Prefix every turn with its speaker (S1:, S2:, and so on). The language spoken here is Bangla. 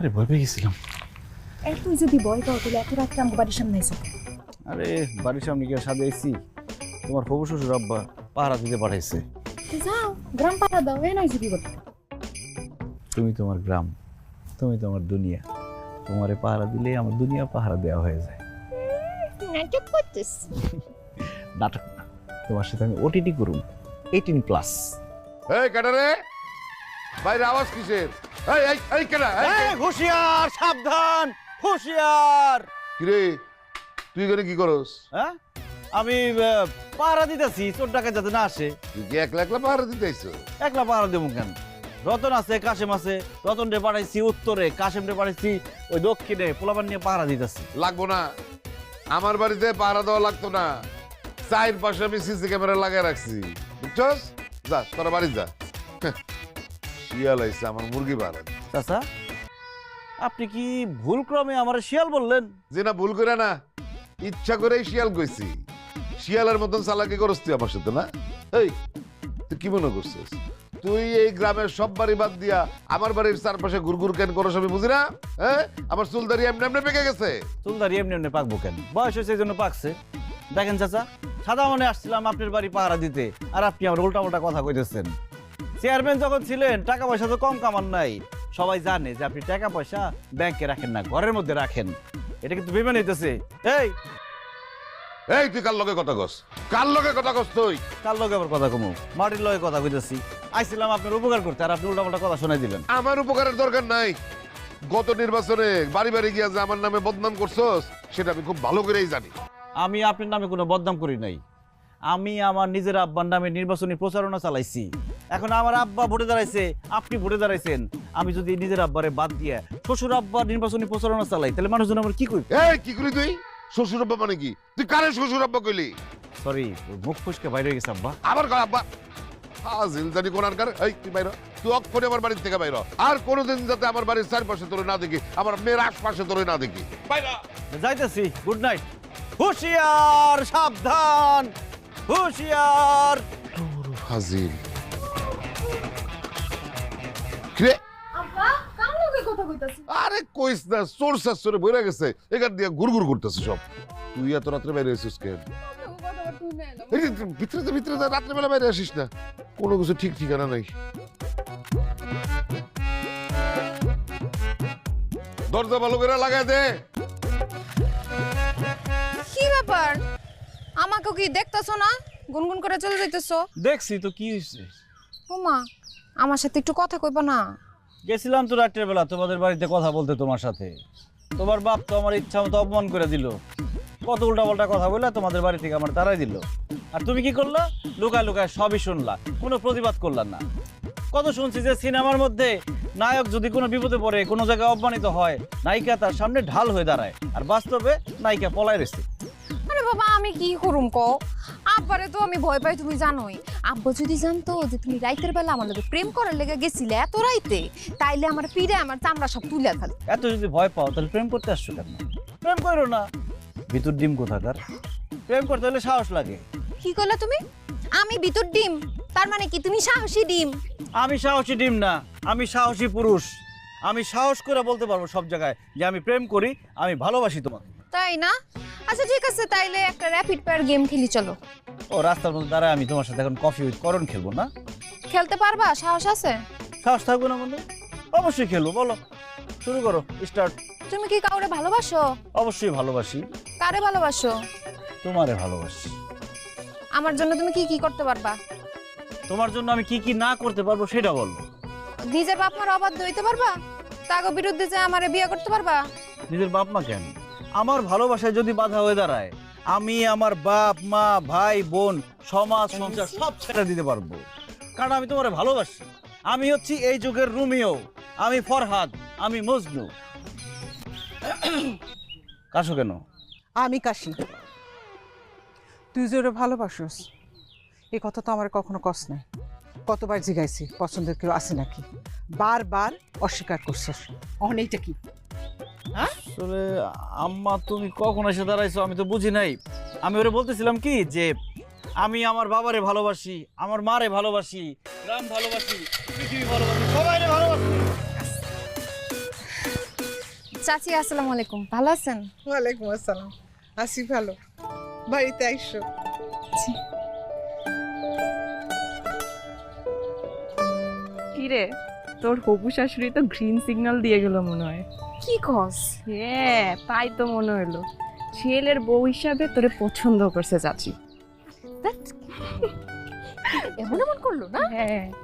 S1: আরে ভয় পেয়ে গেছিলাম।
S2: তুই যদি ভয় পাও তাহলে এত রাত্রে আমার বাড়ির সামনে এসো।
S1: আরে বাড়ির সামনে গিয়ে সাথে আইছি, তোমার হবু শ্বশুর আব্বা পাহারা দিতে পাঠাইছে।
S2: যাও গ্রাম পাড়া দাও, এ নয় যদি করতে।
S1: তুমি তোমার গ্রাম, তুমি তোমার দুনিয়া, তোমারে পাহারা দিলে আমার দুনিয়া পাহারা দেওয়া হয়ে যায়।
S2: নাটক করতেছ?
S1: নাটক না, তোমার সাথে আমি ওটিটি করুন 18+।
S3: এই কাটারে বাইরে আওয়াজ কিসের? এই এই এই কেডা?
S1: হুঁশিয়ার, সাবধান, হুঁশিয়ার।
S3: কিরে তুই এখানে কি করস?
S1: হ্যাঁ, আমি পাহারা দিতেছি চোর ডাকাত যাতে না আসে।
S3: তুই কি একলা একলা পাহারা দিতে আইছো?
S1: একলা পাহারা দেবো কেন? রতন আছে, কাশেম আছে। রতন রে পাঠাইছি উত্তরে, কাশেম রে পাঠাইছি ওই দক্ষিণে, পোলাপান নিয়ে পাহারা দিতেছি।
S3: লাগবো না, আমার বাড়িতে পাহারা দেওয়া লাগতো না। চাইর পাশে আমি সিসি ক্যামেরা লাগাই রাখছি, বুঝছস? যা তোরা বাড়ি যা। শিয়াল আইছে আমার মুরগি পাহারা দিতে।
S1: চাচা, আপনি কি ভুল ক্রমে আমার শিয়াল বললেন?
S3: যে না ভুল করে না, ইচ্ছা করেই শিয়াল কইছি। শিয়ালের মতন চালাকি করস তুই আমার সাথে না? এই তুই কি মনে করছিস তুই এই গ্রামের সব বাড়ি বাদ দিয়া আমার বাড়ির চারপাশে ঘুরঘুর কেন করস আমি বুঝি না? হ্যাঁ, আমার চুলদারি এমনি এমনি পেকে গেছে।
S1: চুলদারি এমনি এমনি পাকবো কেন? বয়স হয়েছে এই জন্য পাকছে। দেখেন চাচা, সাদা মনে আসছিলাম আপনার বাড়ি পাহারা দিতে, আর আপনি আমার উল্টা উল্টা কথা কইতেছেন। চেয়ারম্যান যখন ছিলেন টাকা পয়সা তো কম কামান নাই। সবাই জানে যে আপনি টাকা পয়সা ব্যাংকে রাখেন না, ঘরের মধ্যে রাখেন। এটা কিন্তু বেমান হইতেছে। এই
S3: এই তুই কার লগে কথা কস? কার লগে কথা কস তুই?
S1: কার লগে আবার কথা কমু? মাটির লগে কথা কইতেছি। আইছিলাম আপনার উপকার করতে, আর আপনি উল্টা পাল্টা কথা শোনাই দিলেন।
S3: আমার উপকারের দরকার নাই। গত নির্বাচনে বাড়ি বাড়ি গিয়া যে আমার নামে বদনাম করছস সেটা আমি খুব ভালো করেই জানি।
S1: আমি আপনার নামে কোনো বদনাম করি নাই। আমি আমার নিজের আব্বার নামে নির্বাচনী প্রচারণা চালাইছি। এখন আমার আব্বা ভোটে দাঁড়াইছে, আপনি ভোটে দাঁড়াইছেন। আমি যদি নিজের আব্বারে বাদ দিয়ে শ্বশুর আব্বার নির্বাচনী প্রচারণা চালাই, তাহলে মানুষজন আমার কি করবে?
S3: এই কি করি তুই? শ্বশুর আব্বা মানে কি? তুই কারে শ্বশুর আব্বা কইলি?
S1: সরি, মুখ ফুসকে বাইরে হয়ে গেছে আব্বা।
S3: আবার কয় আব্বা? হাজিল জানি কোনারকার। এই তুই বাইর হ। তুই অক্ষরে আমার বাড়ি থেকে বাইর হ। আর কোনোদিন যাতে আমার বাড়ির চারপাশে তোরে না দেখি, আমার মেয়ের আশপাশে তোরে না দেখি। বাইর হ।
S1: যাইতেছি, গুড নাইট। হুঁশিয়ার, সাবধান, হুঁশিয়ার।
S3: হাজিল কিরে?
S2: আব্বা কার লগে কথা কইতাছিস?
S3: আরে কইস না, চোর শাসরে বইরা গেছে, এখান দিয়ে ঘুরঘুর করতেছে সব। তুই এত রাত্রে বাইরে আসিস কেন? এই যে ভিতরে যা, রাত্রেবেলা বাইরে আসিস না, কোনো কিছু ঠিক ঠিকানা নাই। দরজা ভালো করে লাগাই দে।
S4: কি ব্যাপার? আমাকে কি দেখতেছো না? গুনগুন করে চলে যাইতেছো?
S1: দেখছি তো, কি হয়েছে?
S4: ওমা, আমার সাথে একটু কথা কইবা না?
S1: গেছিলাম তো রাত্রের বেলা তোমাদের বাড়িতে কথা বলতে তোমার সাথে। তোমার বাপ তো আমার ইচ্ছা মতো অপমান করে দিল। কত উল্টা পাল্টা কথা বলে তোমাদের বাড়ি থেকে আমার তাড়াই দিল। আর তুমি কি করলা? লুকায় লুকায় সবই শুনলা, কোনো প্রতিবাদ করলা না। কত শুনছি যে সিনেমার মধ্যে নায়ক যদি কোনো বিপদে পড়ে, কোনো জায়গায় অপমানিত হয়, নায়িকা তার সামনে ঢাল হয়ে দাঁড়ায়, আর বাস্তবে নায়িকা পলায় রয়েছে।
S4: আরে বাবা, আমি কি করুম কও? আব্বারে তো আমি ভয় পাই, তুমি জানোই। আব্বা যদি জানতো যে তুমি রাইতের বেলা আমার লগে প্রেম করার লেগে গেছিলে এত রাইতে, তাইলে আমার পিড়ে আমার চামড়া সব তুলে ফেল।
S1: এত যদি ভয় পাও তাহলে প্রেম করতে আসছো কেন? প্রেম করো না, ভিতর ডিম কোথাকার। প্রেম করতে হলে সাহস লাগে।
S4: কি করলা তুমি? আমি ভিতর ডিম? তার মানে কি তুমি সাহসী ডিম?
S1: আমি সাহসী ডিম না, আমি সাহসী পুরুষ। আমি সাহস করে বলতে পারবো সব জায়গায় যে আমি প্রেম করি, আমি ভালোবাসি তোমাকে।
S4: তাই না? আচ্ছা ঠিক আছে, তাইলে একটা র্যাপিড ফায়ার গেম খেলি চলো।
S1: ও রাস্তার মধ্যে দাঁড়ায় আমি তোমার সাথে এখন কফি উইথ করণ খেলবো না?
S4: খেলতে পারবা? সাহস আছে?
S1: সাহস থাকবো না মানে? অবশ্যই খেলবো, বলো শুরু করো, স্টার্ট।
S4: তুমি কি কাউরে ভালোবাসো?
S1: অবশ্যই ভালোবাসি।
S4: কারে ভালোবাসো?
S1: তোমারে ভালোবাসি।
S4: আমার জন্য তুমি কি কি করতে পারবা?
S1: তোমার জন্য আমি কি কি না করতে পারবো সেটা বলবো।
S4: নিজের বাপ মার অবাধ্য হইতে পারবা? তাগো বিরুদ্ধে যে আমারে বিয়ে করতে পারবা?
S1: নিজের বাপ মা কেন, আমার ভালোবাসায় যদি বাধা হয়ে দাঁড়ায়, আমি আমার বাপ মা ভাই বোন সমাজ সংসার সব ছেড়ে দিতে পারবো, কারণ আমি তোমারে ভালোবাসি। আমি হচ্ছি এই যুগের রোমিও, আমি ফরহাদ, আমি মজনু। কাশো কেন?
S5: আমি কাশি। তুই যে ওরে ভালোবাসোস এই কথা তো আমার কখনো কস নাই। কতবার জিজ্ঞাইছি পছন্দের কেউ আছে নাকি, বারবার অস্বীকার করছিস। অনেকটা কি?
S1: আসলে আম্মা তুমি কখন এসে দাঁড়াইছো আমি তো বুঝি নাই। আমি ওরে বলতেছিলাম কি যে আমি আমার বাবারে ভালোবাসি, আমার মারে ভালোবাসি, গ্রাম ভালোবাসি, পৃথিবী ভালোবাসি, সবাইরে ভালোবাসি।
S4: চাচি আসসালামু আলাইকুম, ভালো আছেন?
S5: ওয়ালাইকুম আসসালাম, আসি ভালো। বাড়িতে আইসো।
S6: কিরে, তোর হবু শাশুড়ি তো গ্রিন সিগন্যাল দিয়ে গেল মনে হয়।
S4: কি কস?
S6: হ্যাঁ, তাই তো মনে হলো। ছেলের বউ হিসাবে তোরে পছন্দ করছে চাচি।
S4: এমন এমন করলো না?
S6: হ্যাঁ।